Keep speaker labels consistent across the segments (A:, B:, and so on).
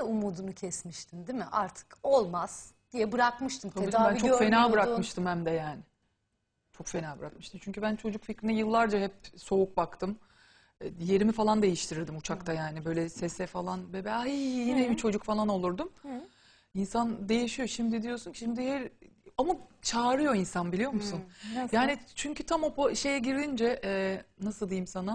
A: de umudunu kesmiştin değil mi? Artık olmaz diye bırakmıştın.
B: Tabii
A: Tedavi
B: ben çok fena
A: görmüyordun.
B: bırakmıştım hem de yani. Çok fena bırakmıştım. Çünkü ben çocuk fikrine yıllarca hep soğuk baktım. Yerimi falan değiştirirdim uçakta yani. Böyle sese falan bebe ay yine bir çocuk falan olurdum. İnsan değişiyor. Şimdi diyorsun ki ama çağırıyor insan biliyor musun?
C: Nasıl?
B: Yani çünkü tam o şeye girince nasıl diyeyim sana?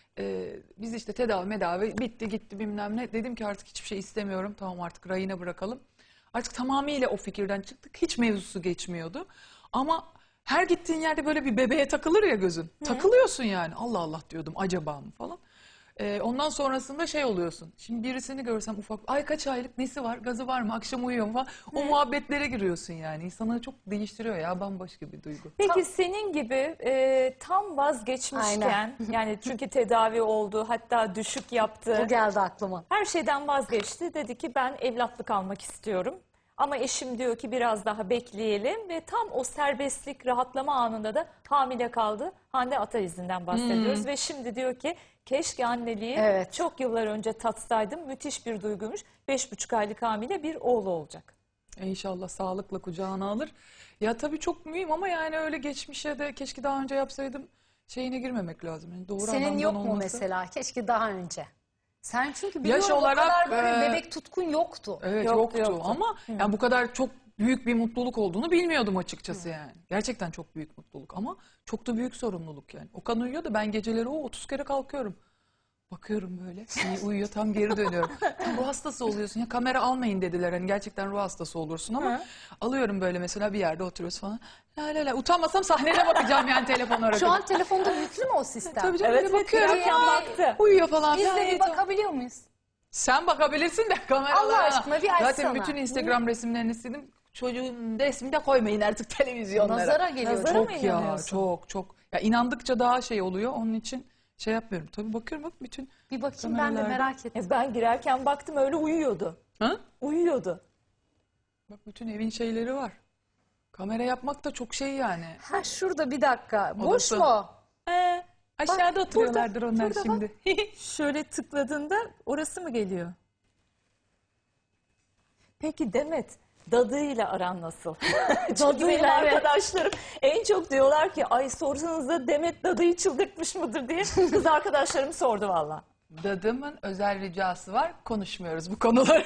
B: Biz işte tedavi bitti gitti bilmem ne. Dedim ki artık hiçbir şey istemiyorum. Tamam artık rayına bırakalım. Artık tamamıyla o fikirden çıktık. Hiç mevzusu geçmiyordu. Ama her gittiğin yerde böyle bir bebeğe takılır ya gözün. Takılıyorsun yani. Allah Allah diyordum acaba mı falan. Ondan sonrasında şey oluyorsun. Şimdi birisini görsem ufak, ay kaç aylık nesi var, gazı var mı, akşam uyuyor mu falan. O muhabbetlere giriyorsun yani. İnsanı çok değiştiriyor ya, bambaşka bir duygu.
C: Peki senin gibi tam vazgeçmişken yani çünkü tedavi oldu hatta düşük yaptı.
A: O geldi aklıma.
C: Her şeyden vazgeçti. Dedi ki ben evlatlık almak istiyorum. Ama eşim diyor ki biraz daha bekleyelim ve tam o serbestlik, rahatlama anında da hamile kaldı. Hande Ataizi'nden bahsediyoruz ve şimdi diyor ki keşke anneliği
A: Evet.
C: çok yıllar önce tatsaydım. Müthiş bir duyguymuş. 5,5 aylık hamile bir oğlu olacak.
B: İnşallah sağlıkla kucağına alır. Ya tabii çok mühim ama yani öyle geçmişe de keşke daha önce yapsaydım şeyine girmemek lazım. Yani doğru
A: Senin
B: anlamdan
A: yok mu
B: olması.
A: mesela? Keşke daha önce. Sen çünkü biliyorum
B: Yaş
A: o
B: olarak,
A: kadar böyle bebek tutkun yoktu.
B: Evet
C: Yoktu.
B: yoktu ama yani bu kadar çok büyük bir mutluluk olduğunu bilmiyordum açıkçası yani. Gerçekten çok büyük mutluluk ama çok da büyük sorumluluk yani. Okan uyuyor da ben geceleri 30 kere kalkıyorum. Bakıyorum böyle uyuyor tam geri dönüyorum. Tam ruh hastası oluyorsun ya kamera almayın dediler hani gerçekten ruh hastası olursun ama alıyorum böyle mesela bir yerde oturuyoruz falan. La la la utanmasam sahnede bakacağım yani telefon arada.
A: Şu an telefonda yüklü mü o sistem?
B: Tabii canım
C: Evet,
B: öyle bakıyorum.
C: girerken baktı.
B: Uyuyor falan.
A: Biz de
B: filan.
A: bir bakabiliyor muyuz?
B: Sen bakabilirsin de kameralara.
A: Allah aşkına bir açsana.
B: Zaten bütün Instagram resimlerini sildim. Çocuğun resmini de koymayın artık televizyonlara.
A: Nazara geliyor.
C: Nazara mı
B: Çok ya
C: inanıyorsun?
B: çok. Ya inandıkça daha şey oluyor onun için şey yapmıyorum. Tabii bakıyorum bak bütün.
A: Bir bakayım ben de
B: Kameralarda.
A: merak ettim.
C: Ben girerken baktım öyle uyuyordu.
B: Ha?
C: Uyuyordu.
B: Bak bütün evin şeyleri var. Kamera yapmak da çok şey yani.
A: Ha şurada bir dakika. Boş
B: Odası.
A: mu?
B: Aşağıda oturuyorlardır onlar
C: burada
B: şimdi.
C: Şöyle tıkladığında orası mı geliyor? Peki Demet, dadıyla aran nasıl? Çünkü benim
A: Dadıyla, evet.
C: arkadaşlarım en çok diyorlar ki ay sorsanız da Demet dadıyı çıldırtmış mıdır diye. Kız arkadaşlarım sordu valla.
B: Dadımın özel ricası var. Konuşmuyoruz bu konuları.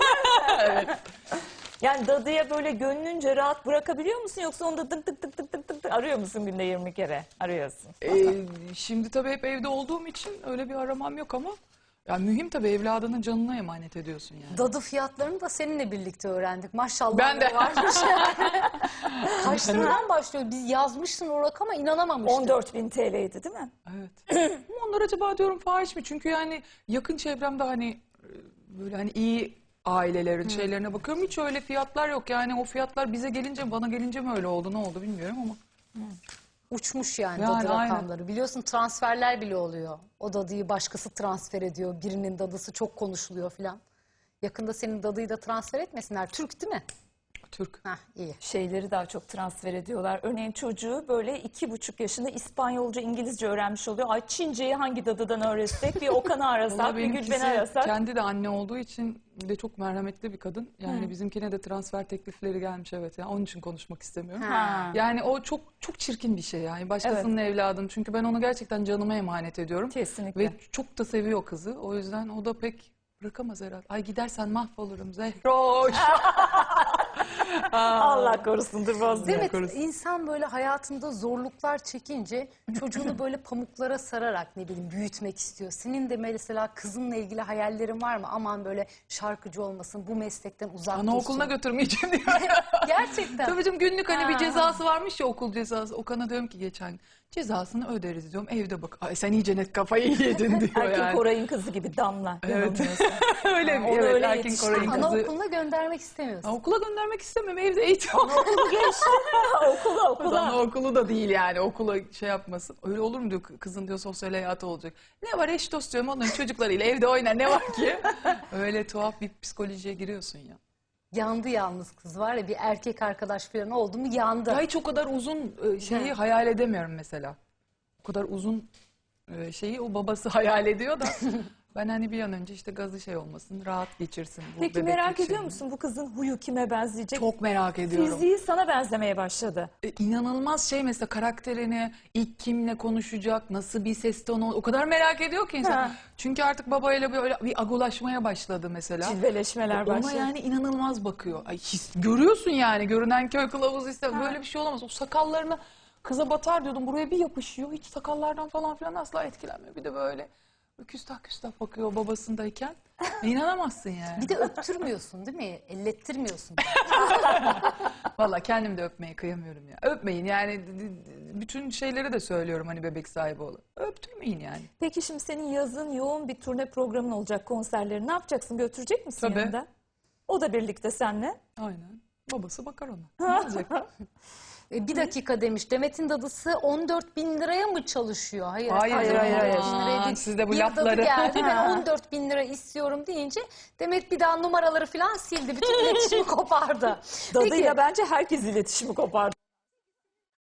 C: Yani dadıya böyle gönlünce rahat bırakabiliyor musun yoksa onu da tık tık tık tık tık tık tık arıyor musun günde 20 kere? Arıyorsun.
B: Şimdi tabii hep evde olduğum için öyle bir aramam yok ama yani mühim tabii evladının canına emanet ediyorsun yani.
A: Dadı fiyatlarını da seninle birlikte öğrendik. Maşallah.
B: Ben de.
A: Varmış. Kaç liradan başlıyor? Biz yazmışsın o rakama inanamamıştık.
C: 14.000 TL'ydi değil mi?
B: Evet. Ama onlar acaba diyorum fahiş mi? Çünkü yani yakın çevremde hani böyle hani iyi ailelerin şeylerine bakıyorum. Hiç öyle fiyatlar yok. Yani o fiyatlar bize gelince bana gelince mi öyle oldu ne oldu bilmiyorum ama.
A: Uçmuş yani,
B: Yani
A: dadı
B: aynen.
A: rakamları. Biliyorsun transferler bile oluyor. O dadıyı başkası transfer ediyor. Birinin dadısı çok konuşuluyor filan. Yakında senin dadıyı da transfer etmesinler. Türk değil mi?
B: Türk.
A: Hah iyi.
C: Şeyleri daha çok transfer ediyorlar. Örneğin çocuğu böyle 2,5 yaşında İspanyolca, İngilizce öğrenmiş oluyor. Ay Çince'yi hangi dadıdan öğretsek? Bir Okan'ı arasak,
B: Vallahi
C: bir Gülben'i
B: benimkisi
C: arasak.
B: kendi de anne olduğu için de çok merhametli bir kadın. Yani bizimkine de transfer teklifleri gelmiş evet. Yani onun için konuşmak istemiyorum.
C: Ha.
B: Yani o çok çok çirkin bir şey yani. Başkasının evladını. Çünkü ben onu gerçekten canıma emanet ediyorum.
C: Kesinlikle.
B: Ve çok da seviyor kızı. O yüzden o da pek bırakamaz herhalde. Ay gidersen mahvolurum Zehroş.
C: Allah korusun dur bozma.
A: Evet,
B: korusun.
A: insan böyle hayatında zorluklar çekince çocuğunu böyle pamuklara sararak ne bileyim büyütmek istiyor. Senin de mesela kızınla ilgili hayallerin var mı? Aman böyle şarkıcı olmasın, bu meslekten uzak
B: Anaokuluna
A: dursun.
B: götürmeyeceğim diyor.
A: Gerçekten.
B: Tabii canım günlük hani bir
A: Ha.
B: cezası varmış ya okul cezası. Okan'a diyorum ki geçen gün, cezasını öderiz diyorum evde bak. Ay sen iyice net kafayı yedin diyor
C: Erkin
B: yani.
C: Koray'ın kızı gibi Damla.
B: Evet.
C: yanılmıyorsam.
B: Öyle
C: onu
B: evet
C: öyle
B: Erkin
C: yetişti.
B: Koray'ın kızı.
A: Anaokuluna göndermek istemiyorsun.
B: Okula göndermek istemiyorum evde eğitim.
C: Okulu geçti. okula.
B: Anaokulu da değil yani okula şey yapmasın. Öyle olur mu diyor kızın diyor sosyal hayatı olacak. Ne var eş dost diyorum onların çocuklarıyla evde oynar ne var ki? Öyle tuhaf bir psikolojiye giriyorsun ya.
A: Yandı yalnız kız var ya, bir erkek arkadaş falan oldu mu yandı.
B: Ya hiç o kadar uzun şeyi hayal edemiyorum mesela. O kadar uzun şeyi o babası hayal ediyor da Ben hani bir an önce işte gazı şey olmasın, rahat geçirsin bu
C: Peki
B: bebeklik
C: merak ediyor
B: şeyini.
C: musun bu kızın huyu kime benzeyecek?
B: Çok merak ediyorum.
C: Fiziği sana benzemeye başladı.
B: İnanılmaz şey mesela karakterini, ilk kimle konuşacak, nasıl bir ses tonu, o kadar merak ediyor ki insan.
C: Ha.
B: Çünkü artık babayla böyle bir agulaşmaya başladı mesela.
C: Cilveleşmeler
B: Ona
C: başladı.
B: yani inanılmaz bakıyor. Ay, görüyorsun yani, görünen köy kılavuzu ise
C: Ha.
B: böyle bir şey olamaz. O sakallarına kıza batar diyordum, buraya bir yapışıyor. Hiç sakallardan falan filan asla etkilenmiyor. Bir de böyle küstah küstah bakıyor babasındayken. İnanamazsın yani.
A: Bir de öptürmüyorsun değil mi? Ellettirmiyorsun.
B: Valla kendim de öpmeye kıyamıyorum ya. Öpmeyin yani, bütün şeyleri de söylüyorum hani bebek sahibi olun. Öptürmeyin yani.
C: Peki şimdi senin yazın yoğun bir turne programın olacak, konserleri. Ne yapacaksın? Götürecek misin
B: Tabii.
C: yanında? O da birlikte seninle.
B: Aynen. Babası bakar ona. Ne olacak?
A: Bir dakika demiş. Demet'in dadısı 14 bin liraya mı çalışıyor? Hayır.
B: Hayır,
A: efendim,
C: hayır,
A: 14 bin
B: hayır.
A: liraya değil.
B: Siz de bu
A: Bir
B: lafları-
A: dadı geldi. Ben
C: Ha.
A: 14 bin lira istiyorum deyince Demet bir daha numaraları falan sildi. Bütün iletişimi kopardı.
C: Dadıyla
A: Peki.
C: bence herkes iletişimi kopardı.